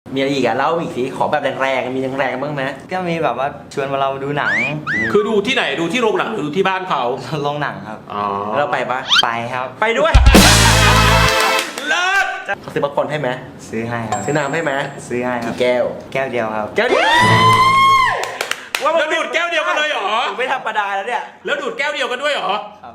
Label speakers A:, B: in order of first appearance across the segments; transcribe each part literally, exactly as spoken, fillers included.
A: มีอะไรอีกอะเล่าอีกสิขอแบบแรงๆมีแรงๆบ้างไหม
B: ก็มีแบบว่าชวนมาเราดูหนัง
C: คือดูที่ไหนดูที่โรงหนังหรือดูที่บ้านเขา
B: โรงหนังครับ
C: อ๋อ
A: เราไปปะ
B: ไปครับ
A: ไปด้วย
C: เลิศ
A: เขาซื้อป๊อปคอร์นให้ไหม
B: ซื้อให้ครับ
A: ซื้อน้ำให้ไหม
B: ซื้อให้ครั
A: กี่
B: บ
A: แก้ว
B: แก้วเดียวครับ
A: แก้วเดียวว่ามัน
C: แล้วดูดแก้วเดียวกันเลยเหรอ
A: ไม่ธรรมดาแล้วเนี่ย
C: แล้วดูดแก้วเดียวกันด้วยเหรอ
B: ครับ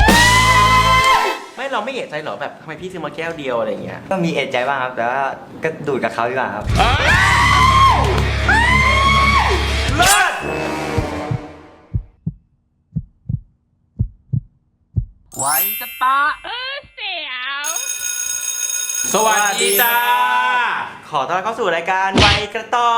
A: ไม่เราไม่เอะใจหรอแบบทำไมพี่ซื้อมาแก้วเดียวอะไรอย่างเงี้ย
B: ก็มีเอะใจบ้างครับ แต่ว่าก็ดูดกับเขาดีกว่าครับ
C: เลิศ
A: ไว้จะตา
C: สวัสดีจ้า
A: ขอต้อนรับเข้าสู่รายการไวกระต่อ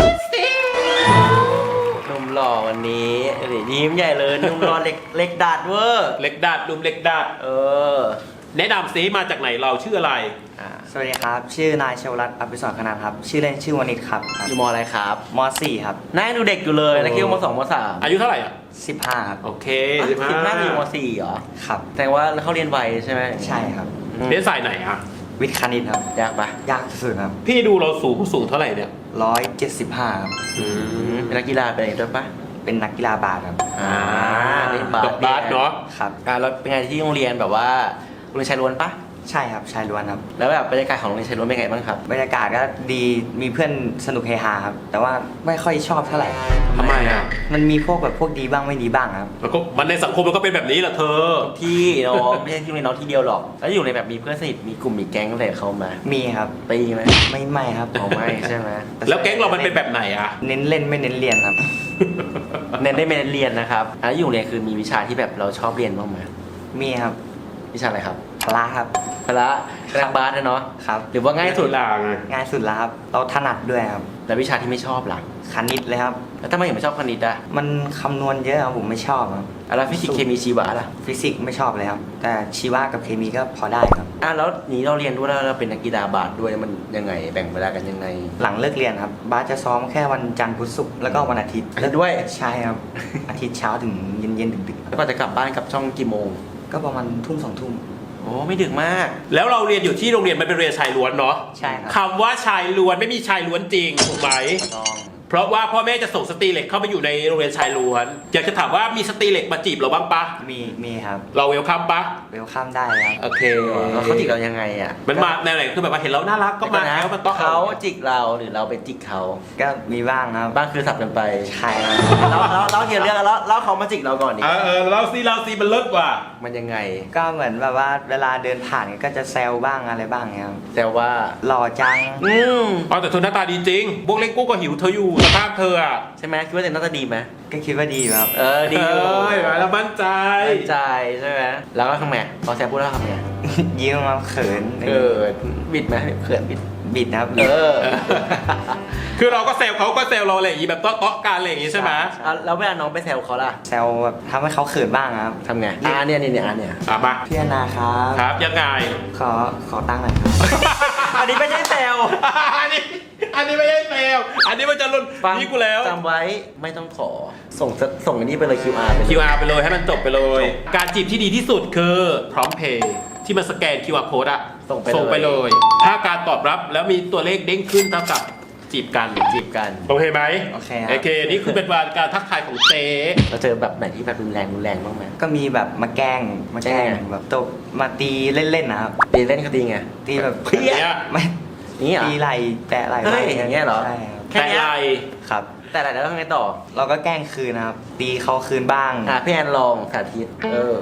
A: หนุ่มหล่อวันนี้เดี๋ยวยิ้มใหญ่เลยหนุ่มหล่อเล็กเล็กดัดเวอร์
C: เล็กดัดดุมเล็กดัด
A: เออ
C: แนะนำซิมาจากไหนเราชื่ออะไร
A: อ่า
B: สวัสดีครับ ชื่อนายชวรัตน์อภิสรคณานครับ ชื่อเล่นชื่อวณิชครับครับ
A: อยู่มอะไรครับ
B: ม สี่ครับ
A: น่าดูเด็กอยู่เลยแล้วคิดว่ามสองมสาม
C: อายุเท่าไหร่อ่ะ
B: สิบห้าครับ
C: โอเค
A: สิบ
C: สิบห้า
A: น่าจะอยู่มสี่เหรอ
B: ครับ
A: แต่ว่าเขาเรียนไวใช่ไหม
B: ใช่ครับ
A: อืม
C: เรียนสายไหนอ่ะ
B: วิทย์คณิตครับ
A: ยากปะ
B: ยากสุดๆครับ
C: พี่ดูเราสูงสูงเท่าไหร่เนี่ย
B: ร้อยเจ็ดสิบห้าครับ
C: อื
A: อืม
C: ม
A: เป็นนักกีฬาเป็นอะไรด้วยปะ
B: เป็นนักกีฬาบาสครับ
A: อ่าเล่นบาส
C: บาสเนาะ
B: ครับ
A: อ่าแล้วเป็นไงที่โรงเรียนแบบว่าโรงเรียนชายล้วนปะ
B: ใช่ครับชายล้วนครับ
A: แล้วแบบบรรยากาศของโรงเรียนชายล้วนเป็นไงบ้างครับ
B: บรรยากาศก็ดี มีเพื่อนสนุกเฮฮาครับ แต่ว่าไม่ค่อยชอบเท่าไหร่
C: ทำไมอ่ะ
B: มันมีพวกแบบพวกดีบ้างไม่ดีบ้างครับ
C: แล้วก็มันในสังคมมันก็เป็นแบบนี้แหละเธอ
A: ที่น้องไม่ใช่ที่โรงเรียนน้องที่เดียวหรอก แล้วอยู่ในแบบมีเพื่อนสนิทมีกลุ่มมีแก๊งอะไรเขามา
B: มีครับ
A: ตีไหม
B: ไม่ไม่ครับ
A: เขาไม่ใช่ไหม
C: แล้วแก๊งเรามันเป็นแบบไหนอ่ะ
B: เน้นเล่นไม่เน้นเรียนครับ
A: เน้นได้ไม่เน้นเรียนนะครับแล้วอยู่โรงเรียนคือมีวิชาที่แบบเราชอบเรียนบ้างไหม
B: มีครับ
A: วิชาอะไรครับ
B: พละครับ
A: พละนักบาสนะเนาะ
B: ครับ
A: หรือว่าง่ายสุด
C: ลาไง
B: ง่ายสุดแล้วครับ เราถนัดด้วยครับ
A: แล้ววิชาที่ไม่ชอบล่ะ
B: คณิตเลยครับ
A: แล้วทำไมถึงไม่ชอบคณิตอ่ะ
B: มันคำนวณเยอะครับผมไม่ชอบครับ
A: อ่ะแล้วฟิสิกส์เคมีชีวะล่ะ
B: ฟิสิกส์ไม่ชอบเลยครับ แต่ชีวะกับเคมีก็พอได้ครับ
A: อ่ะแล้วนี้เราเรียนด้วยแล้วเราเป็นนักกีฬาบาสด้วยมันยังไงแบ่งเวลากันยังไง
B: หลังเลิกเรียนครับ บาสจะซ้อมแค่วันจันทร์พุธศุกร์แล้วก็วันอาทิตย์
A: แล้วด้วย
B: ใช่ครับ อาทิตย์เช้าถึงเย็นเย็นๆดึก
A: แล้วก็จะกลับบ้านกลับช่องกี่โมง
B: ๆก็ประมาณทุ่มสองทุ่ม
A: โอ้ไม่ดึกมาก
C: แล้วเราเรียนอยู่ที่โรงเรียนมันเป็นเรียนชายล้วนเนาะ
B: ใช่ครับ
C: คำว่าชายล้วนไม่มีชายล้วนจริงถูกไหม
A: ต้อง
C: เพราะว่าพ่อแม่จะส่งสตรีเหล็กเข้ามาอยู่ในโรงเรียนชายล้วน อยากจะถามว่ามีสตรีเหล็กมาจีบเราบ้างปะ
B: มีมีครับ
C: เราเวลคัมปะ
B: เวลข้ามได้ครับ
A: โอเคแล้วเขาจิกเรายังไงอ่ะ
C: มันมาแนวไหนคือแบบว่าเห็นเราน่ารักก็มา
A: นะ
C: แล้วมันต้อง
A: เขาจิกเราหรือเราไปจิกเขา
B: ก็มีบ้างครับ
A: บ้างคือสับกันไป
B: ใช่ครับ
A: เราเราเราเทียนเรื่องแล้วแล้วเขามาจิกเราก่อนดิ
C: เออเออเราซีเราซีมันเลิศว่ะ
A: มันยังไง
B: ก็เหมือนแบบว่าเวลาเดินผ่านก็จะแซวบ้างอะไรบ้างเนี่ยครับ
A: แต่ว่า
B: หล่อจัง
A: อืม
C: อ๋อแต่เธอหน้าตาดีจริงพวกเล็กกู้ก็หิวเธออยู่สภาพเธออ่ะ
A: ใช่ไหมคิดว่าเจนน่าจะดีไหม
B: ก็คิดว่าดีอยู่ครับ
A: เออดีอยู่
C: เอ้ยแล้วมั่นใจ
A: มั่นใจใช่ไหมแล้วก็ทำไงพอแซมพูดแล้วทำไง
B: ยิ้มมาเขิน
A: เออบิดไหมเขินบิด
B: บิดนะครับ
A: เออ
C: คือเราก็แซวเขาก็แซวเราอะไรอย่างงี้แบบเตาะๆกันอะไรอย่างงี้ใช่ไหม
A: อ่ะแล้วเวลาน้องไปแซวเขาล่ะ
B: แซวแบบทำให้เขาเขินบ้างครับ
A: ทำไงอ่าเนี่ยเนี่ยเนี่ยอ่ะเนี่ย
C: อ่ะมา
B: พี่อนาครับ
C: ครับยังไง
B: ขอขอตั้งค์หน่อยครับ
A: อันนี้ไม่ใช่แซว
C: อันนี้อันนี้ไม่ใช่แซวอันนี้มันจะลุน
A: ฟัง
C: นี่กูแล้ว
A: จำไว้ไม่ต้องขอส่งส่งอันนี้ไปเลย คิว อาร์ ไปเลย
C: คิว อาร์ ไปเลยให้มันจบไปเลย การจีบที่ดีที่สุดคือพร้อมเพย์ที่มันสแกน คิว อาร์ code อะ
A: ส่งไป
C: ส่งไปเลย ถ้าการตอบรับแล้วมีตัวเลขเด้งขึ้นเท่ากับจีบกัน
A: จีบกัน
C: โอเคไหม
B: โอเคครับ
C: โอเค นี่คือเป็นการทักทายของเจ๊
A: เราเจอแบบไหนที่แบบรุนแรงรุนแรงบ้างไหม
B: ก็มีแบบมาแกล้งมาแกล้ง
A: แกล้ง
B: แบบตบมาตีเล่นๆนะครับ
A: ตีเล่นก็ตีไง
B: ตีแบบ
A: เพี้ย
C: เนี่ย
B: ไม่
A: นี่เหรอ
B: ตีไหลแตะไหล
A: เฮ้ย
B: ไว้
A: อย่างเงี้ยเหรอ
B: ใช่ครับ
A: แค่
C: แต่
A: เนี้ย
C: ไร
B: ครับ
A: แต่อะไรแล้วทำไงต่อ
B: เราก็แกล้งคืนนะครับ ตีเขาคืนบ้าง
A: อ่ะพี่แอนลองสาธิตเออ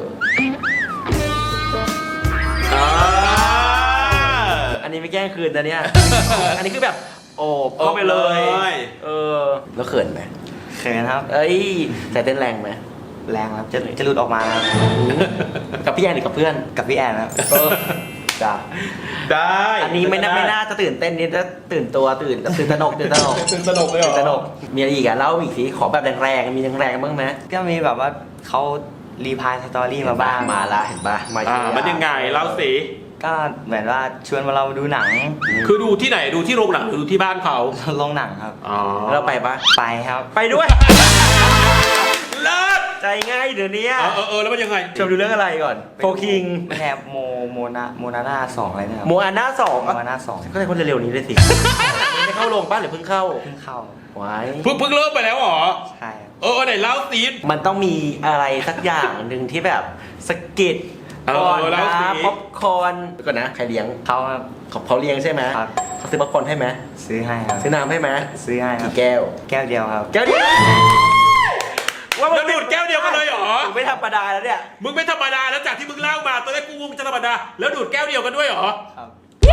C: อ่า
A: อันนี้ไม่แกล้งคืนนะเนี่ย อันนี้คือแบบโอบเข้าไปเลย เออ แล้วเขินไหม
B: เขินครับ
A: เอ้ยใจเต้นแรงไหม
B: แรงครับ จะจะหลุดออกมาครับ
A: กับพี่แอนหรือกับเพื่อน
B: กับพี่แอนครับ
A: เออจ้ะ
C: ได้
A: อันนี้ไม่น่าไม่น่าจะตื่นเต้นนี่จะตื่นตัวตื่นตื่นตระหนกตื่นตระหนก
C: ตื่นตระหนกเลยเหร
A: ตื่
C: อน
A: ตระหนกมีอะไรอีกอะเล่าอีกสิขอแบบแรงๆมีแรงๆบ้างไหม
B: ก็มีแบบว่าเขารีพายสตอรี่มาบ้าง
A: มาละเห็นปะมา
C: อ่า
A: ทีละ
C: มันยังไงเล่าสิ
B: ก็เหมือนว่าชวนมาเราดูหนัง
C: คือดูที่ไหนดูที่โรงหนังหรือดูที่บ้านเขา
B: โรงหนังครับ
C: อ๋อ
A: เราไปปะ
B: ไปครับ
A: ไปด้วย
C: เลิศ
A: ใจง่ายเดี๋ยวนี้
C: เออเออเออแล้วมันยังไง
A: ชมดูเรื่องอะไรก่อนโฟคิง
B: แทบโมโมนาโมนาน่าสองอะไรนะครับ
A: โมอาน่าสอง
B: โมนาน่าสอง
A: ก็ใช่คนเร็วๆนี้เลยสิ ไม่ได้เข้างป้าหรือเพิ่งเข้า
B: เพิ่งเข้า
A: ไว้
C: เพิ่งเพิ่งเริ่มไปแล้วเหรอ
B: ใช่ครับ
C: เออไหนเล่าซีน
A: มันต้องมีอะไรสักอย่างหนึ่งที่แบบสะกิด
C: เออ
A: ก่อน
C: แล้ว
A: นะ
C: สิ
A: ป๊อปคอร์นก่อนนะใครเลี้ยง
B: เขาครับ
A: เขาเขาเลี้ยงใช่ไหม
B: ครับ
A: เขาซื้อป๊อปคอร์นให้ไหม
B: ซื้อให้ครับ
A: ซื้อน้ำให้ไหม
B: ซื้อให้ครับ
A: กี่แก้ว
B: แก้วเดียวครับ
A: แก้วเดียว
C: แล้วดูดแก้วเดียวกันเลยเหรอ
A: ไม่ธรรมดาแล้วเนี่ย
C: มึงไม่ธรรมดาแล้วจากที่มึงเล่ามาตอนแรกกูมึงจะธรรมดาแล้วดูดแก้วเดียวกันด้วยเหรอ
B: ครับ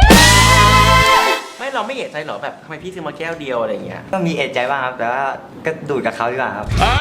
A: ไม่เราไม่เอะใจเหรอแบบทำไมพี่ซื้อมาแก้วเดียวอะไรอย่างเงี้ย
B: ก็มีเอะใจบ้างครับ แต่ว่าก็ดูดกับเขาดีกว่าครับ
C: อ้าว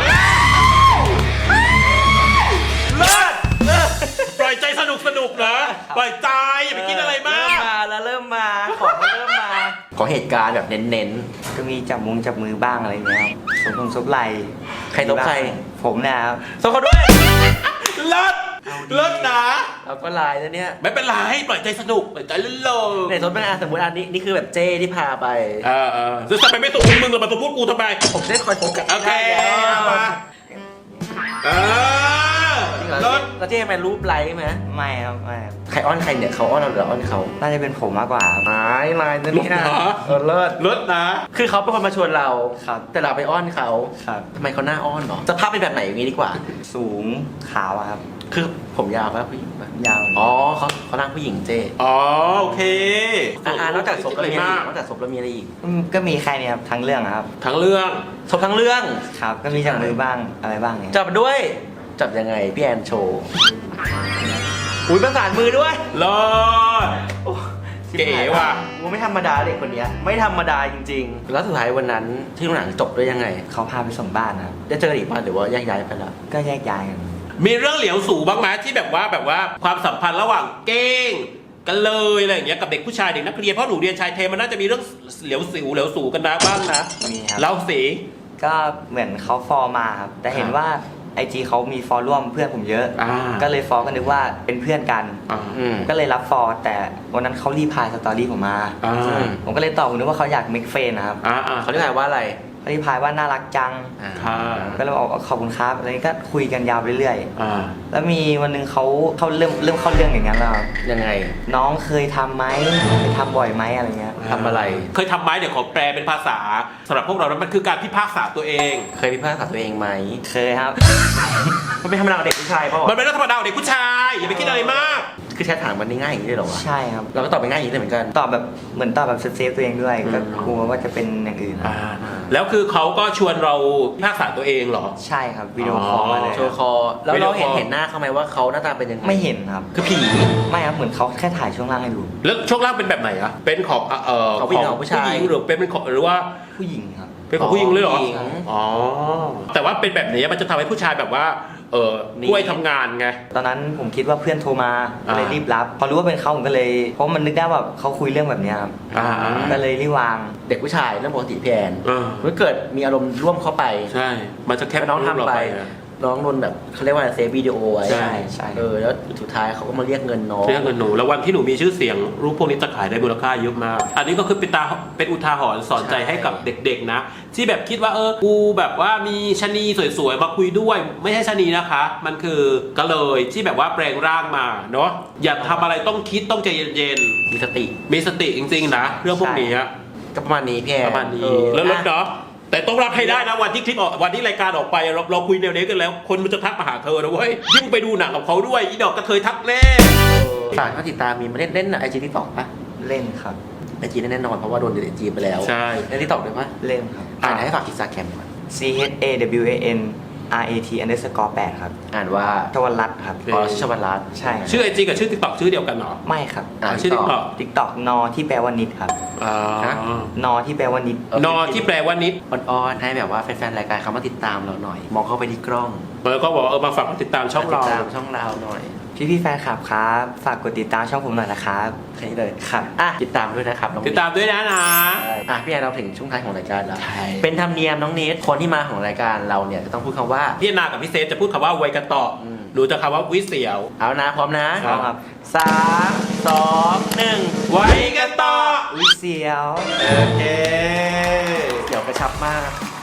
A: เลิศเลิศ
C: ปล่อยใจสนุกสนุกเหรอปล่อยใจอย่าไปคิดอะไรมา
A: เริ่ม
C: ก
A: มาแล้วเริ่มมาของมันเริ่มมาขอเหตุการณ์แบบเน้น
B: ก็มีจับมุงจับมือบ้างอะไรอย่างเงี้ยครับสมพงซบไหล
A: ใครตบใคร
B: ผมเนะครับ
A: ๆส่งเขาด้วย
C: เลิศเลิศนะ
A: เราก็ไลน์นะเนี่ย
C: ไม่เป็นไรปล่อยใจสนุกปล่อยใจเล่นลม
A: ในสมมติสมมติอันนี้นี่คือแบบเจ้ที่พาไป
C: เออเออจะทำไมไม่ตกมึงเลยมาตัวพูดกูทำไม
A: ผมจะได้คอยโฟกัส
C: โอเค
A: ได้แล้ว
C: มาเออ
A: จริงเหรอ
C: เลิศ
A: แล้วเจ้มันรูปไลค์ไหม
B: ไม่ครับไม่ครับ
A: ใครอ้อนใครเนี่ยเขาอ้อนเราหรือเราอ้อนเขา
B: น่าจะเป็นผมมากกว่าครับ
A: ไม้ไลน์นะเนี่ยเออเลิศ
C: เลิศนะ
A: คือเขาเป็นคนมาชวนเรา
B: ครับ
A: แต่เราไปอ้อนเขา
B: ครับ
A: ทำไมเขาหน้าอ้อนเหรอสภาพเป็นแบบไหนอย่างนี้ดีกว่า
B: สูงขาวอะครับ
A: คือผมยาวป่ะผู้หญิงป่ะ
B: ยาว
A: อ๋อเขาเขานั่งผู้หญิงเจ้
C: อ๋อโอเค
A: อ่านอกจากศพแล้วมีอะไร
C: มา
A: อี
C: ก
A: กนอกจากศพแล้วมีอะไรอีก
B: อืมก็มีแค่นี้ครับทั้งเรื่องอะครับ
C: ทั้งเรื่อง
A: ศพทั้งเรื่อง
B: ครับ ก็มีจับมือบ้างอะไรบ้างเนี่ย
A: จับด้วย จับยังไงพี่แอนโชว์อุ้ยประสานมือด้วย
C: เลิศ เก๋ว่ะ
A: กูไม่ธรรมดาเด็กคนเนี้ยไม่ธรรมดาจริงๆ แล้วสุดท้ายวันนั้นที่โรงหนังจบด้วยยังไง
B: เขาพาไปส่งบ้านนะครับ
A: ได้เจออีกป่ะหรือว่าแยกย้ายไปแล้ว
B: ก็แยกย้ายกัน
C: มีเรื่องเหลียวสูบ้างไหมที่แบบว่าแบบว่าความสัมพันธ์ระหว่างเก้งกันเลยอะไรอย่างเงี้ยกับเด็กผู้ชายเด็กนักเรียนเพราะหนูเรียนชายเทมันน่าจะมีเรื่องเหลียวสิวเหลียวสูกันนะบ้างนะ
B: มีครับ
C: เล่าสิ
B: ก็เหมือนเขาฟอลมาครับ แต่เห็นว่าไอจีเขามีฟอลร่วมเพื่อนผมเยอะ
C: อ่า
B: ก็เลยฟอลก็นึกว่าเป็นเพื่อนกัน
C: อ่า
A: อืม
B: ก็เลยรับฟอลแต่วันนั้นเขารีพลายสตอรี่ผมมา
C: อ่า
B: ผมก็เลยตอบผมนึกว่าเขาอยากเมคเฟนนะครับ
C: อ่าอ่า
A: เขาเรียกว่าอะไร
B: เขารีพลายว่าน่ารักจัง
A: อ่า
C: ค่ะ
B: ก็เลยบอกว่าขอบคุณครับอะไรนี้ก็คุยกันยาวไปเรื่อย
C: อ่า
B: ๆแล้วมีวันหนึงเขาเขาเริ่มเริ่มเข้าเรื่องอย่างนั้นแล้วครับ
A: ยังไง
B: น้องเคยทำไหมเคยทำบ่อยไหมอะไรเงี้ย
A: ทำอะไร
C: เคยทำไหมเดี๋ยวขอแปลเป็นภาษาสำหรับพวกเรานั้นมันคือการพิพากษาตัวเอง
A: เคยพิพากษาตัวเองไหม
B: เคยครับ
A: มันเป็นธรรมดาของเด็กผู้ชายเปล่า
C: มันเป็นเรื่องธรรมดาของเด็กผู้ชายอย่าไปคิดอะไรมาก
A: คือแชทถามมันง่ายอย่างนี้เลยเหรอวะ
B: ใช่ครับ
A: เราก็ตอบไปง่ายอย่างนี้เลยเหมือนกัน
B: ตอบแบบเหมือนตอบแบบเซฟๆตัวเองด้วย
A: อืม
B: ก็กลัวว่าจะเป็นอย่างอื่นครับ
C: อ่าแล้วคือเขาก็ชวนเราพิพากษาตัวเองเหรอ
B: ใช่ครับวิดีโอคอลมาเลย
A: โชว์คอ แล้ว
C: วิดี
A: เรา
C: โอคอล
A: เห็นเห็นหน้าเขาไหมว่าเขาหน้าตาเป็นยังไง
B: ไม่เห็นครับ
A: คือผี
B: ไม่ครับเหมือนเขาแค่ถ่ายช่วงล่างให้ดู
C: แล้วช่วงล่างเป็นแบบไหนอะเป็นของเอ่อ
A: ของผู้หญิงของผู้ชาย
C: หญิงหรือเป็นเป็นของหรือว่า
B: ผู้หญิงครับ
C: เป็นของผู้หญิงเลยเหรอ
A: ผู้หญิง
C: อ๋อ แต่ว่าเป็นแบบนี้มันจะทำให้ผู้ชายแบบว่า เออ
A: นี่
C: ช่วยทำงานไง
B: ตอนนั้นผมคิดว่าเพื่อนโทรมาก็เลย
C: อ่า
B: รีบรับ พอรู้ว่าเป็นเขาผมก็เลย เพราะมันนึกได้ว่าเขาคุยเรื่องแบบเนี้ยครับ
C: อ่า
B: ก็เลยรีบวาง
A: เด็กผู้ชายเรื่องปกติพี่แอน
C: เออ
A: ถ้าเกิดมีอารมณ์ร่วมเข้าไป
C: ใช่ มันจะแคป
A: น้อง
C: รูปเรา
A: ทำไป
C: อะ
A: น้องโดนแบบเขาเรียกว่าเซฟวิดีโอไว้
C: ใช่
B: ใช่
A: เออแล้วสุดท้ายเขาก็มาเรียกเงินน้อง
C: เรื่องเงินหนู แล้ววันที่หนูมีชื่อเสียง รูปพวกนี้จะขายได้มูลค่าเยอะมาก อันนี้ก็คือเป็นตาเป็นอุทาหรณ์สอนใจให้กับเด็กๆนะ ที่แบบคิดว่าเออ กูแบบว่ามีชะนีสวยๆ มาคุยด้วย ไม่ใช่ชะนีนะคะ มันคือก็เลยที่แบบว่าแปลงร่างมาเนาะ อย่าทำอะไรต้องคิดต้องใจเย็น
A: มีสติ
C: ๆ มีสติจริงๆนะ เรื่องพวกนี้อะ
A: ก็ประมาณนี้พี่แอน
C: ประมาณนี้
A: เออ
C: แล้วรถ
A: อ่ะ
C: เนาะแต่ต้องรับให้ได้นะวันที่คลิปออกวันที่รายการออกไปเราเราคุยแนวนี้กันแล้ว คนมันจะทักมาหาเธอนะเว้ยยิ่งไปดูหนังกับเขาด้วยอีดอกกระเทยทักแน่
A: ฝากเขาติดตามมีมาเล่นเล่นไอจีที่ตอกปะ
B: เล่นครับ
A: ไอจีแน่นอนเพราะว่าโดนเดลิทจีไปแล้ว
C: ใช่
A: เล่นที่ตอกด้วยปะ
B: เล่นครับ
A: อ่านให้ฝากอินสตาแกรมก่อน
B: C H A W A N R A T underscore แปดครับ
A: อ่านว่า
B: ชวันรัตน์ครับ
C: โอเค
A: อ๋อชวรัตน์
B: ใช่ครับ
C: ชื่อไอจีกับชื่อติ๊กต็อกชื่อเดียวกันเหรอ
B: ไม่ครับ
A: อ่า
C: ชื่อติ๊กต็อก
B: TikTok นอที่แปลว่านิดครับ
C: อ่า
B: นอที่แปลว่านิด
C: นอที่แปลว่านิด
A: อ่อนๆให้แบบว่าแฟนๆรายการเขามาติดตามเราหน่อย มองเข้าไปที่กล้อง
C: แล้วก็บอกว่าเออมาฝากติดตามช่องเรา
A: ติดตามช่องเราหน่อย
B: พี่พี่ๆแฟนคลับครับ ฝากกดติดตามช่องผมหน่อยนะครับ
A: แค่นี้เลย
B: ครับ
A: อ่ะติดตามด้วยนะครับน้อง
C: ติดตามด้วยนะนะ
A: อ่ะพี่แอนเราถึงช่วงท้ายของรายการแล้ว
C: ใช่
A: เป็นธรรมเนียมน้องเนทคนที่มาของรายการเราเนี่ยจะต้องพูดคำว่า
C: พี่นากับพี่เซฟจะพูดคำว่าไวยกันต่ออ
A: ม
C: หนูจะคำว่าวิเสียว
A: เอานะพร้อมนะ
B: พร้อมครับ
A: สามสองหนึ่ง
C: ไวกันต่อ
B: วิเสียว
C: โอเค
A: เดี๋ยวกระชับมาก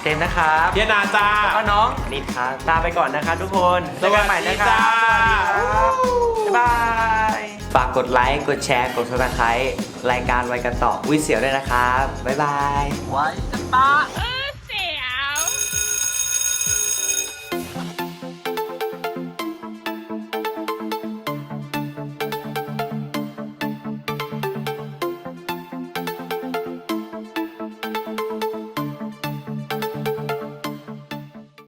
A: เจมส์นะครับ
C: เทียนาจ้า
A: แล้วก็น้องนิดครับลาไปก่อนนะคะทุกคนเจอกันใหม่นะครับ
C: สวัสดีจ้า
A: สวัสดีครับบ๊ายบาย
B: ฝากกดไลค์ กดแชร์ กด ซับสไครบ์ รายการไวกันต่อวิเสียวด้วยนะครับ บ๊ายบาย
A: ไว้กันต่อ